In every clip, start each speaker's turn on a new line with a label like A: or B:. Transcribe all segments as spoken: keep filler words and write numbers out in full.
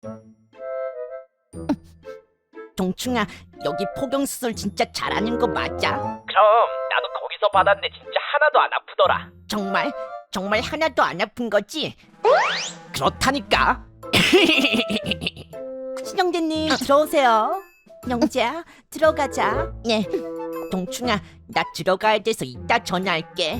A: 동충아, 여기 포경수술 진짜 잘하는 거 맞아?
B: 그럼 나도 거기서 받았는데 진짜 하나도 안 아프더라.
A: 정말? 정말 하나도 안 아픈 거지? 그렇다니까. 신영재님 들어오세요. 영재야, 들어가자. 네. 동충아, 나 들어가야 돼서 이따 전화할게.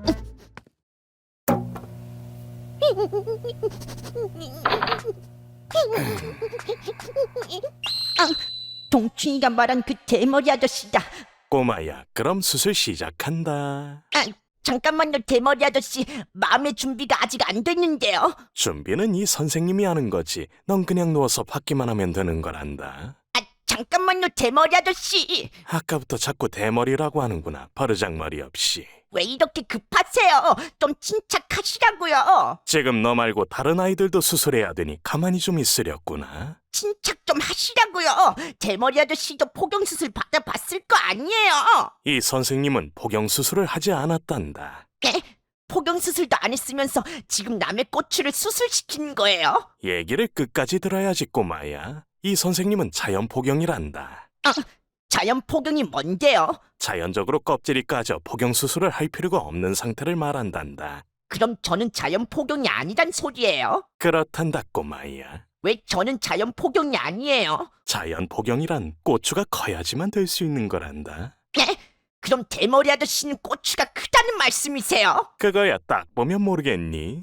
A: 아, 동충이가 말한 그 대머리 아저씨다.
C: 꼬마야, 그럼 수술 시작한다.
A: 아, 잠깐만요, 대머리 아저씨. 마음의 준비가 아직 안 됐는데요.
C: 준비는 이 선생님이 하는 거지. 넌 그냥 누워서 받기만 하면 되는 거란다.
A: 아, 잠깐만요, 대머리 아저씨.
C: 아까부터 자꾸 대머리라고 하는구나. 버르장머리 없이.
A: 왜 이렇게 급하세요? 좀 침착하시라고요.
C: 지금 너 말고 다른 아이들도 수술해야 되니 가만히 좀 있으렸구나.
A: 침착 좀 하시라고요. 대머리 아저씨도 포경수술 받아봤을 거 아니에요.
C: 이 선생님은 포경수술을 하지 않았단다.
A: 네? 포경수술도 안 했으면서 지금 남의 꼬추를 수술시키는 거예요?
C: 얘기를 끝까지 들어야지, 꼬마야. 이 선생님은 자연 포경이란다.
A: 아, 자연 포경이 뭔데요?
C: 자연적으로 껍질이 까져 포경수술을 할 필요가 없는 상태를 말한단다.
A: 그럼 저는 자연 포경이 아니란 소리예요?
C: 그렇단다, 꼬마야.
A: 왜 저는 자연 포경이 아니에요?
C: 자연 포경이란 고추가 커야지만 될 수 있는 거란다.
A: 네? 그럼 대머리 아저씨는 꼬추가 크다는 말씀이세요?
C: 그거야 딱 보면 모르겠니?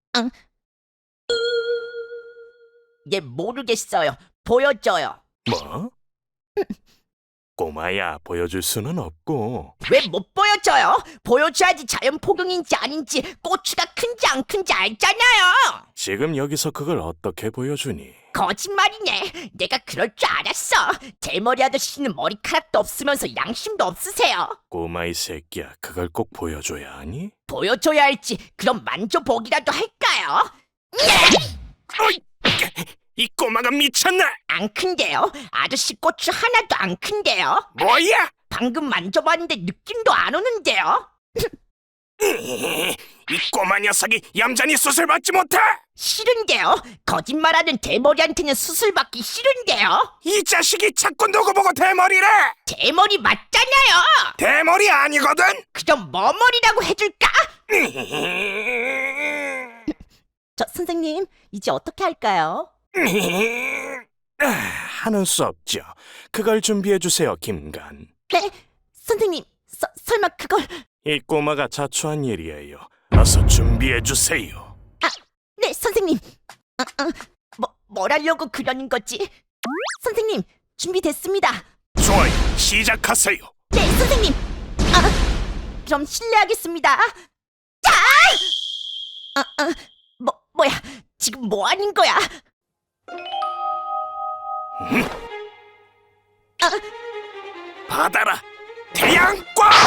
A: 예, 모르겠어요. 보여줘요.
C: 뭐? 꼬마야, 보여줄 수는 없고.
A: 왜 못 보여줘요? 보여줘야지 자연 포경인지 아닌지 고추가 큰지 안 큰지 알잖아요.
C: 지금 여기서 그걸 어떻게 보여주니?
A: 거짓말이네. 내가 그럴 줄 알았어. 대머리 아저씨는 머리카락도 없으면서 양심도 없으세요.
C: 꼬마 이 새끼야, 그걸 꼭 보여줘야 하니?
A: 보여줘야 할지 그럼 만져보기라도 할까요?
C: 어이! 이 꼬마가 미쳤나?
A: 안 큰데요? 아저씨 고추 하나도 안 큰데요?
C: 뭐야?
A: 방금 만져봤는데 느낌도 안 오는데요?
C: 이 꼬마 녀석이 얌전히 수술 받지 못해!
A: 싫은데요? 거짓말하는 대머리한테는 수술 받기 싫은데요?
C: 이 자식이 자꾸 누구 보고 대머리래!
A: 대머리 맞잖아요.
C: 대머리 아니거든?
A: 그럼 뭐 머리라고 해줄까? 저 선생님, 이제 어떻게 할까요?
C: 아, 하는 수 없죠. 그걸 준비해 주세요, 김간.
A: 네? 선생님, 서, 설마 그걸...
C: 이 꼬마가 자초한 일이에요. 어서 준비해 주세요.
A: 아, 네, 선생님. 아, 아, 뭐, 뭘 하려고 그러는 거지? 선생님, 준비됐습니다.
C: 좋아요, 시작하세요.
A: 네, 선생님. 아, 그럼 실례하겠습니다. 자! 아, 아, 뭐, 뭐야, 지금 뭐 하는 거야?
C: 받아라, 태양광!